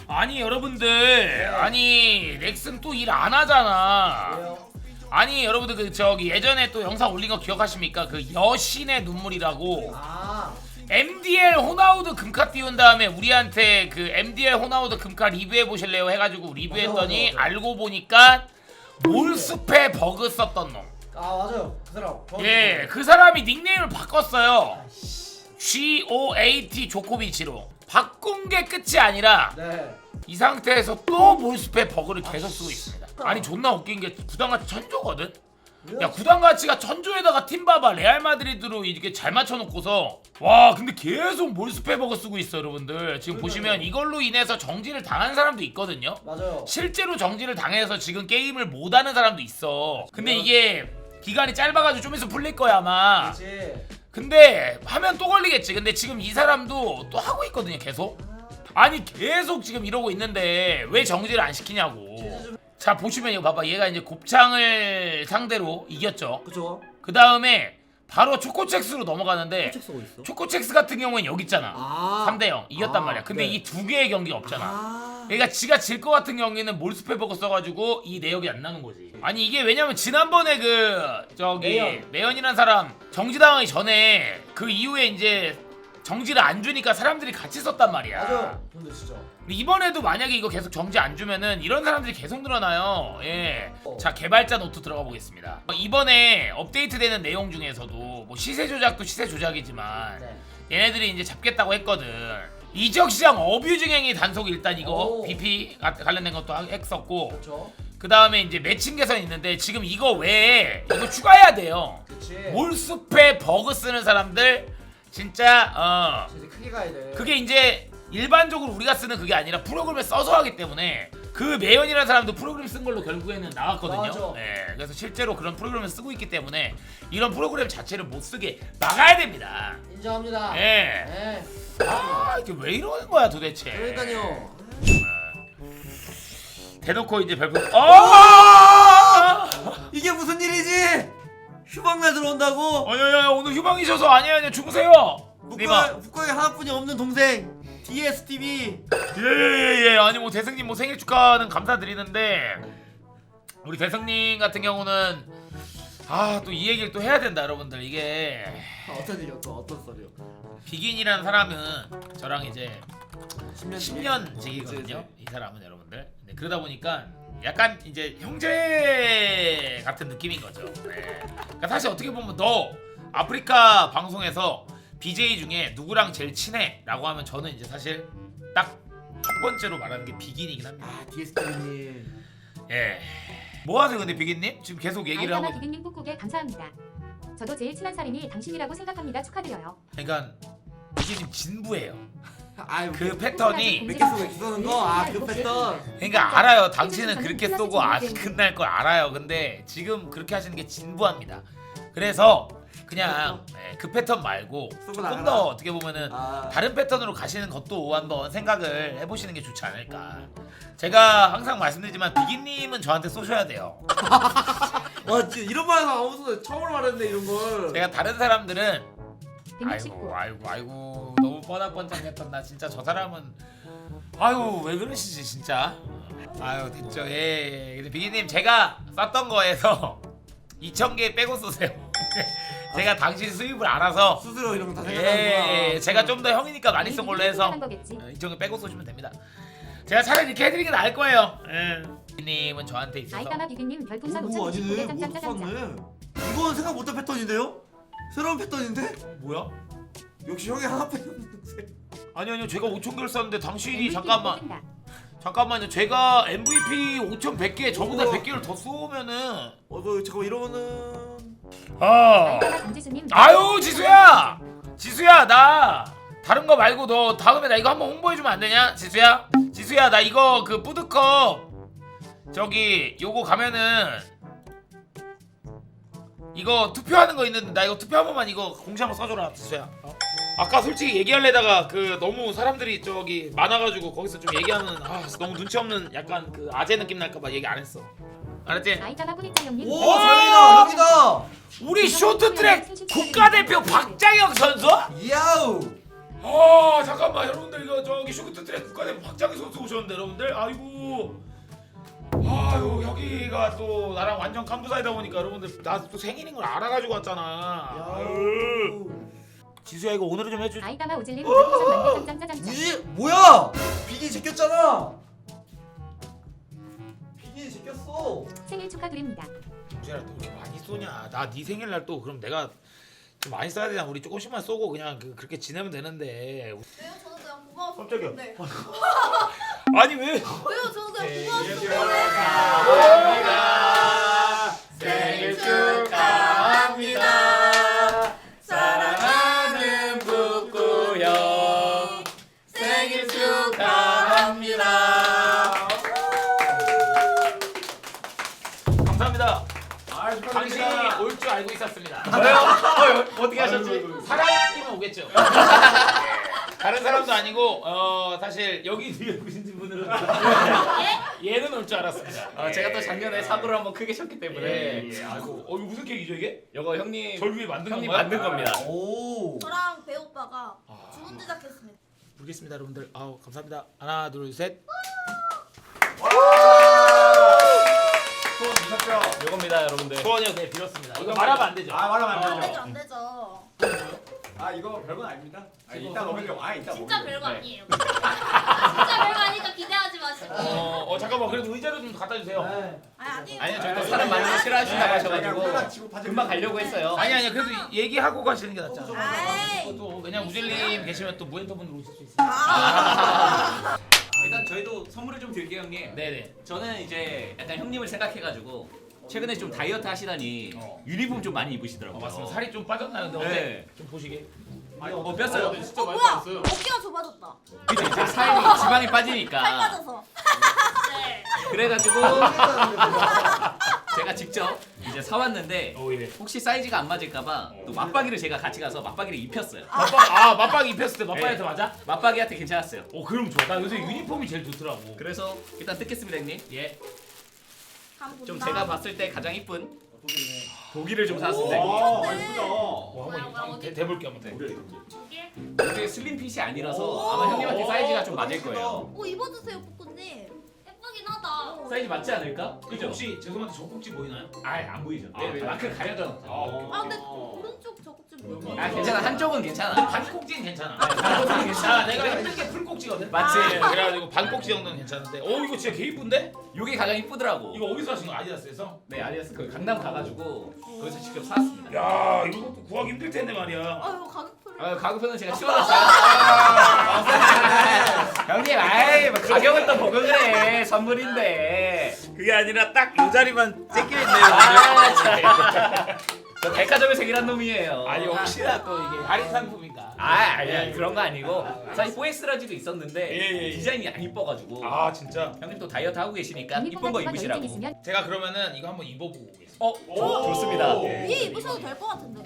아니 여러분들, 아니 넥슨 또 일 안 하잖아. 왜요? 아니 여러분들 그 저기 예전에 또 영상 올린 거 기억하십니까? 그 여신의 눈물이라고 아 MDL 호나우드 금카 띄운 다음에 우리한테 그 MDL 호나우드 금카 리뷰해 보실래요 해가지고 리뷰했더니 맞아. 알고 보니까 몰수패 버그 썼던 놈. 맞아요 그 사람. 예, 그 사람이 닉네임을 바꿨어요. GOAT 조코비치로. 바꾼 게 끝이 아니라 네. 이 상태에서 또 몰수패 버그를 계속 쓰고 있습니다. 아니 존나 웃긴 게 구단가치 천조거든? 야 구단가치가 천조에다가 팀바바 레알 마드리드로 이렇게 잘 맞춰놓고서 와 근데 계속 몰수패 버그 쓰고 있어 여러분들. 지금 보시면 이걸로 인해서 정지를 당한 사람도 있거든요. 맞아요. 실제로 정지를 당해서 지금 게임을 못하는 사람도 있어. 근데 이게 기간이 짧아가지고 좀 있으면 풀릴 거야 아마. 그렇지. 근데 하면 또 걸리겠지. 근데 지금 이 사람도 또 하고 있거든요 계속. 아니 계속 지금 이러고 있는데 왜 정지를 안 시키냐고. 자 보시면 이거 봐봐. 얘가 이제 곱창을 상대로 이겼죠. 그쵸. 그 다음에 바로 초코첵스로 넘어가는데 책 쓰고 있어. 초코첵스 같은 경우엔 여기 있잖아. 아 3대0 이겼단 말이야. 근데 네. 이 두 개의 경기가 없잖아. 그러니까 지가 질 것 같은 경우에는 몰수페버거 써가지고 이 내역이 안 나는 거지. 아니 이게 왜냐면 지난번에 그 저기 매연이란 사람 정지당하기 전에 그 이후에 이제 정지를 안 주니까 사람들이 같이 썼단 말이야. 맞아요. 근데 진짜. 근데 이번에도 만약에 이거 계속 정지 안 주면은 이런 사람들이 계속 늘어나요. 예. 자 개발자 노트 들어가 보겠습니다. 이번에 업데이트되는 내용 중에서도 뭐 시세 조작도 시세 조작이지만 네. 얘네들이 이제 잡겠다고 했거든. 이적 시장 어뷰징 행위 단속 일단 이거 오. BP 관련된 것도 했었고 그렇죠. 그 다음에 이제 매칭 개선 있는데 지금 이거 외에 이거 추가해야 돼요. 그렇지. 몰수패 버그 쓰는 사람들 진짜 이제 크게 가야 돼. 그게 이제 일반적으로 우리가 쓰는 그게 아니라 프로그램을 써서 하기 때문에 그 매연이라는 사람도 프로그램 쓴 걸로 결국에는 나왔거든요. 맞아. 네, 그래서 실제로 그런 프로그램을 쓰고 있기 때문에 이런 프로그램 자체를 못 쓰게 막아야 됩니다. 인정합니다. 예. 네. 아 이게 왜 이러는 거야 도대체. 그러니까요. 대놓고 이제 별풍. 아! 이게 무슨 일이지? 휴방날 들어온다고? 아니야 오늘 휴방이셔서 아니야 주무세요. 니마. 북한에 하나뿐이 없는 동생 DSTV. 예예예. 아니 뭐 대승님 뭐 생일 축하는 감사드리는데 우리 대승님 같은 경우는 또 이 얘기를 또 해야 된다 여러분들. 이게 어떤 일이요? 또 어떤 썰이요? 비긴이라는 사람은 저랑 이제 10년 10년 지기거든요. 이 사람은 여러분들. 네, 그러다 보니까 약간 이제 형제 같은 느낌인 거죠. 네. 그러니까 사실 어떻게 보면 너 아프리카 방송에서 BJ 중에 누구랑 제일 친해? 라고 하면 저는 이제 사실 딱 첫 번째로 말하는 게 비긴이긴 합니다. DSTV님. 예. 뭐 하세요 근데 비긴님? 지금 계속 얘기를 하고. 아이카마 비빔님 꾹꾹에 감사합니다. 저도 제일 친한 사람이 당신이라고 생각합니다. 축하드려요. 그러니까 비긴님 진부예요. 아유 그 패턴이 몇 개 쓰고 쏘는 거? 그 패턴. 그러니까 알아요. 당신은 그렇게 쏘고 끝날 걸 알아요. 근데 지금 그렇게 하시는 게 진부합니다. 그래서 그냥 그 패턴 말고 쏘고 조금 나가라. 더 어떻게 보면은 아. 다른 패턴으로 가시는 것도 한번 생각을 해보시는 게 좋지 않을까. 제가 항상 말씀드리지만 비긴님은 저한테 쏘셔야 돼요. 와 진짜 이런 말에서 아무도 처음으로 말했네 이런 걸. 제가 다른 사람들은 169. 아이고 너무 뻔뻔뻔뻔했던 나 진짜 저 사람은 아유 왜 그러시지 진짜. 아유 됐죠. 예. 근데 비기님 제가 썼던 거에서 2,000개 빼고 쏘세요. 제가 당신 수입을 알아서 스스로 이런 거 다 생각하는구나. 예. 제가 좀 더 형이니까 많이 쏜 걸로 해서 한 거겠지. 2,000개 빼고 쏘시면 됩니다. 제가 차라리 이렇게 해드리는 게 나을 거예요. 예. 비기님은 저한테 있어서 아이카마 비빔님 별풍선 오 5,069개 아니네. 못 짱짱짱짱. 썼네. 이건 생각 못한 패턴인데요? 새로운 패턴인데? 뭐야? 역시 형이 하나뿐이 없는 동생. 아니요 제가 5,000개를 썼는데 당신이 MVP 잠깐만 뽑힌다. 잠깐만요. 제가 MVP 5,100개 저보다 우와. 100개를 더 쏘면은 너 잠깐 이러면은 아이카마 강지수님. 아유 지수야 나 다른 거 말고 너 다음에 나 이거 한번 홍보해주면 안 되냐? 지수야 나 이거 그 푸드컵 저기 요거 가면은 이거 투표하는 거 있는데 나 이거 투표 한 번만 이거 공지 한번 써줘라 지수야. 아까 솔직히 얘기하려다가 그 너무 사람들이 저기 많아가지고 거기서 좀 얘기하면 너무 눈치 없는 약간 그 아재 느낌 날까봐 얘기 안 했어. 알았지? 아이카마 뿌리차 형님. 오 저기다. 우리 쇼트트랙 국가대표 박장혁 선수? 야우. 아 잠깐만 여러분들 이거 저기 쇼트트랙 국가대표 박장희 선수 오셨는데 여러분들 아이고 아유 여기가 또 나랑 완전 깜부사이다 보니까 여러분들 나 또 생일인 걸 알아가지고 왔잖아. 아유. 지수야 이거 오늘은 좀 해줘. 아이다마 오즐림 노티피케이션 만개 짱짱짜장짱. 무지 뭐야? 비니 제꼈잖아. 비니 제꼈어. 생일 축하드립니다. 정재라 또 이렇게 많이 쏘냐? 나 네 생일날 또 그럼 내가 좀 많이 써야 되냐? 우리 조금씩만 쏘고 그냥 그렇게 지내면 되는데. 왜요? 저는 그냥 고마워서 깜짝이야. 네. 아니 왜? 왜요? 저는 그냥 고마워서 축하합니다. 생일 축하합니다. 사랑하는 북구 형 생일 축하합니다. 감사합니다. 아 당신이 올 줄 알고 있었습니다. 저요? 어떻게 하셨지? 사람이면 오겠죠. 다른 사람도 아니고 사실 여기 뒤에 보신 분들은 얘는 올 줄 알았습니다. 제가 또 작년에 사고를 한번 크게 쳤기 때문에 아이고 이거 무슨 케이크죠 이게? 이거 형님 절 위에 만든 형님 건가요? 만든 겁니다. 오. 저랑 배 오빠가 주문 제작했습니다. 부르겠습니다 여러분들. 아우 감사합니다. 하나 둘 셋. 소원 미쳤죠? 이겁니다, 여러분들. 소원이요 네 빌었습니다. 이거 말하면 안 되죠. 아 말하면 안 안 되죠, 되죠. 안 되죠. 아 이거 별건 아닙니다. 아, 이따 먹으려고. 아 이따 진짜 먹으려고. 별거 아니에요. 진짜 별거 아니니까 기대하지 마시고. 잠깐만 그래도 의자를 좀 갖다 주세요. 아니에요. 아니요, 저희 또 사람 많이 싫어하신다고 하셔가지고 치고 금방 가려고 했어요. 아니 그래도 얘기하고 가시는 게 낫잖아. 아이. 또 왜냐면 우젤님 계시면 또 무엔터분들 오실 수 있어요. 일단 저희도 선물을 좀 드릴게요, 형님. 네네. 저는 이제 약간 형님을 생각해가지고 최근에 좀 다이어트 하시다니 어. 유니폼 좀 많이 입으시더라고요. 맞습니다. 살이 좀 빠졌나요? 근데 네. 어때? 좀 보시게. 뺐어요. 뭐야? 어깨가 좁아졌다. 그죠? 이제 살이 지방이 살 빠지니까. 빠져서. 네. 그래가지고 제가 직접 이제 사왔는데 예. 혹시 사이즈가 안 맞을까봐 또 맞박이를 제가 같이 가서 맞박이를 입혔어요. 맞박이 입혔을 때 맞박이한테 네. 맞아? 맞박이한테 괜찮았어요. 그럼 좋아. 나 요새 유니폼이 제일 좋더라고. 그래서 일단 뜯겠습니다, 형님. 예. 한번 좀 본다. 제가 봤을 때 가장 이쁜 독일을 좀 사왔습니다. 아 형님. 예쁘다. 한번 대볼게 한번 대. 이게 슬림핏이 아니라서 아마 형님한테 사이즈가 좀 맞을 거예요. 오 입어주세요, 뽀꾸님. 예쁘긴 하다. 사이즈 맞지 않을까? 그죠? 혹시 죄송한데 젖꼭지 보이나요? 안 보이죠. 아, 네, 마크 가려져. 아 근데 오른쪽 저꼭지 뭐지? 괜찮아. 한쪽은 괜찮아. 반꼭지는 괜찮아. 반꼭지는 괜찮아. 내가 힘든 게 풀꼭지거든. 맞지? 그래가지고 반꼭지 정도는 괜찮은데. 이거 진짜 개 이쁜데? 요게 가장 이쁘더라고. 이거 어디서 하신 거? 아디다스에서? 네, 아디다스 그 강남 가가지고 거기서 직접 사왔습니다. 야 이것도 구하기 힘들 텐데 말이야. 아유 가격표를. 가격표는 제가 치워놨어요. 형님, 뭐 가격은 또 보고 그래. 선물인데. 그게 아니라 딱 이 자리만 째껴있네요. 저 백화점에서 일한 놈이에요. 아니 혹시나 또 이게 할인 상품인가? 아니야, 그런 거 아니고 사실 4X라지도 있었는데 예. 디자인이 안 이뻐가지고 진짜. 형님 또 다이어트 하고 계시니까 유니폼 이쁜 거 같은 건 입으시라고. 여유증 있으면 제가 그러면은 이거 한번 입어보고 오겠습니다. 좋습니다. 위에 입으셔도 될 것 같은데.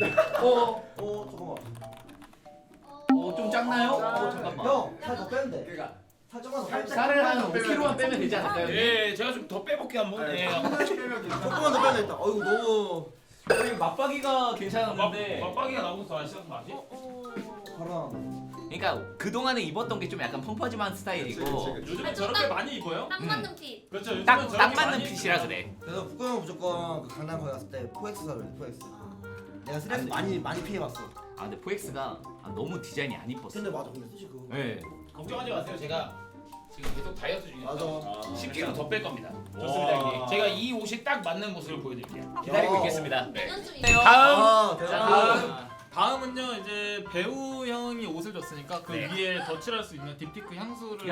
잠깐만. 좀 작나요? 잠깐만. 형살 더 빼면 돼. 그러니까 살 조금만 더 빼면 돼. 살을 한 5kg만 빼면 되지 않을까요? 형님? 예, 제가 좀 더 빼볼게 한번. 예. 조금만 더 빼면 되겠다. 어이구 너무 형님 맞박이가 괜찮았는데 맞박이가 나오고 더 아시는 거 아직? 바람. 그러니까 그동안에 입었던 게 좀 약간 펑퍼짐한 스타일이고 요즘에 저렇게 많이 입어요? 딱 맞는 핏. 그렇죠. 요즘은 딱 저렇게 맞는 많이 핏이라 입어요. 그래. 그래서 북구 형은 무조건 그 강남 거기 갔을 때 포엑스 사래. 포엑스. 내가 스트레스 많이 피해봤어. 근데 4X가 너무 디자인이 안 이뻤어. 근데 맞아 근데 솔직히 그거. 네. 걱정하지 마세요. 제가 지금 계속 다이어트 중이라서 맞아. 10kg 더 뺄 겁니다. 좋습니다, 형님. 제가 이 옷이 딱 맞는 모습을 보여드릴게요. 기다리고 어. 있겠습니다. 내년쯤 다음. 대박. 다음은요 이제 배우 형이 옷을 줬으니까 그 네. 위에 덧칠할 수 있는 딥티크 향수를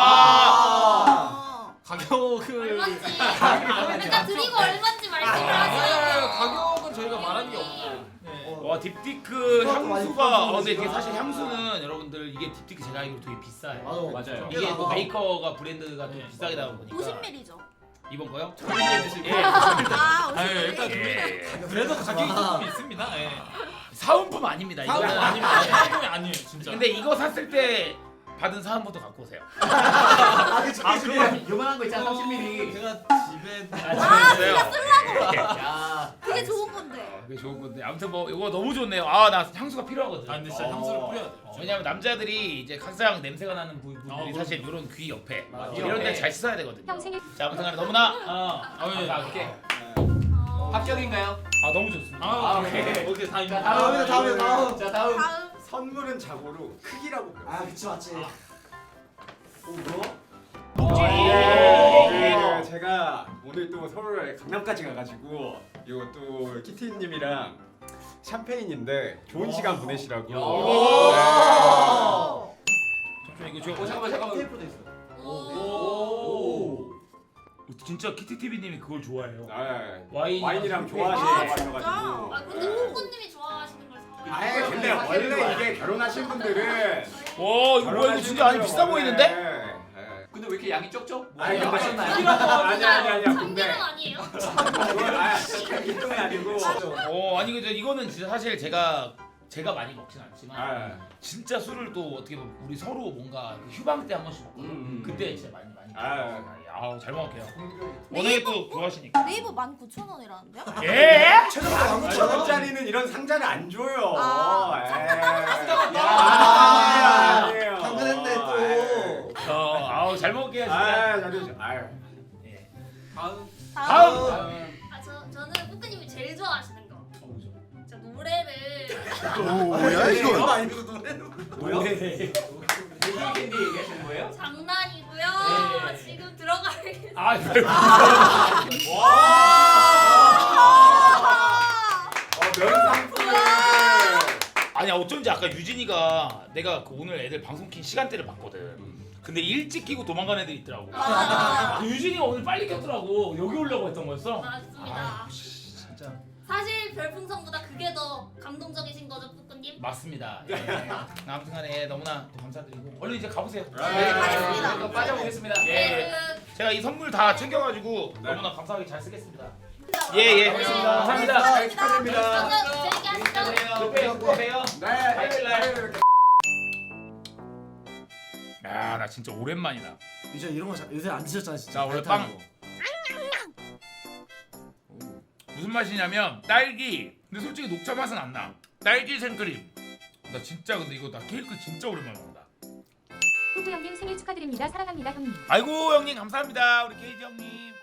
가격을 얼마인지 일단 드리고 얼마인지 말씀을 하셔야 가격은 저희가 말하는 게 없어요. 네. 와 딥티크 그것도 많이 향수가 비싸서 근데 이게 그러니까. 사실 향수는 여러분들 이게 딥티크 제가 알기로 되게 비싸요. 맞아요. 이게 또 맞아. 메이커가 브랜드가 또 네. 비싸게 나오다 보니까 50ml죠. 이번 거요? 예. 아, 아유, 일단 50ml. 그래도 가격이 조금 있습니다. 예. 사은품 아닙니다. 사은품 이거는. 아닙니다. 사은품이 아니에요, 진짜. 근데 이거 샀을 때 받은 사은부터 갖고 오세요. 아, 그 아 그거 요만한 거 있잖아 30mm. 제가 집에 야. 그게 좋은 건데. 그게 좋은 건데 아무튼 뭐 이거 너무 좋네요. 아 나 향수가 필요하거든. 아 근데 진짜 향수를 뿌려야 돼. 왜냐면 남자들이 이제 가장 냄새가 나는 부분들이 그럼. 사실 이런 귀 옆에 맞아. 이런 데 옆에. 잘 씻어야 되거든요. 형 생일 자 아무튼 간에 너무나 예. 감사할게. 합격인가요? 아 너무 좋습니다. 아, 오케이. 오케이 다 자 입니다. 다음. 자 다음. 다음. 선물은 자고로 크기라고 배웠어요. 아, 그치 맞지. 그 제가 오늘 또 서울 강남까지 가가지고 이거 또 키티님이랑 샴페인인데 좋은 시간 보내시라고. 잠시만 이거 저 잠깐만. 테이프도 있어. 오. 진짜 키티 TV님이 그걸 좋아해요. 와인이랑 아 좋아하시는 진짜? 거 아 근데 뽀뽀님이 좋아하시는 걸 사. 아예 근데 원래 이게 결혼하신 분들은 와 이거 뭐야 이거 진짜 아니 비싸 보이는데? 근데 왜 이렇게 양이 적죠? 아니 근데 하셨나요? 아니야 근데 참기름 아니에요? 이건 아니고 아니 그죠 이거는 진짜 사실 제가 많이 먹진 않지만 아, 진짜 술을 또 어떻게 보면 우리 서로 뭔가 휴방 때 한 번씩 먹고 그때 진짜 많이 아우 잘 먹을게요. 워낙에 또 좋아하시니까. 네이버 19,000원이라는데요? 예? 최저가 5,000원짜리는 이런 상자를 안 줘요. 아, 상자 따로 사시는 아니에요. 당근했네 또. 아우 잘 먹을게요 진짜. 아, 잘해줘. 아유. 예. 다음 다음. 저는 뽀뽀님이 제일 좋아하시는 거. 저 노래를 뭐야 이거? 아니고 노래는 뭐야? 캔디 얘기하시는 거예요? 장난이고요. 네. 지금 들어가겠습니다. 아 명상품. 아니 어쩐지 아까 유진이가 내가 그 오늘 애들 방송 킨 시간대를 봤거든. 근데 일찍 끼고 도망간 애들이 있더라고. 맞아요. 그 유진이가 오늘 빨리 꼈더라고. 여기 오려고 했던 거였어? 맞습니다. 진짜. 사실 별풍선보다 그게 더 감동적이신 거죠, 뽀뽀님? 맞습니다. 예. 아무튼간에 너무나 또 감사드리고 얼른 이제 가보세요. 네, 가겠습니다. 또 빠져보겠습니다. 예. 네, 제가 이 선물 다 챙겨가지고 너무나 감사하게 잘 쓰겠습니다. 그 예. 알겠습니다. 감사합니다. 네, 축하드립니다. 저는 재밌게 하시죠. 또 봬요. 네. 화요일 날. 야, 나 진짜 오랜만이다. 이제 이런 거 요새 안 드셨잖아 진짜. 자, 원래 달달한 빵. 거. 무슨 맛이냐면 딸기. 근데 솔직히 녹차 맛은 안 나. 딸기 생크림. 나 진짜 근데 이거 나 케이크 진짜 오랜만에 먹는다. 후구 형님 생일 축하드립니다. 사랑합니다 형님. 아이고 형님 감사합니다. 우리 케이지 형님.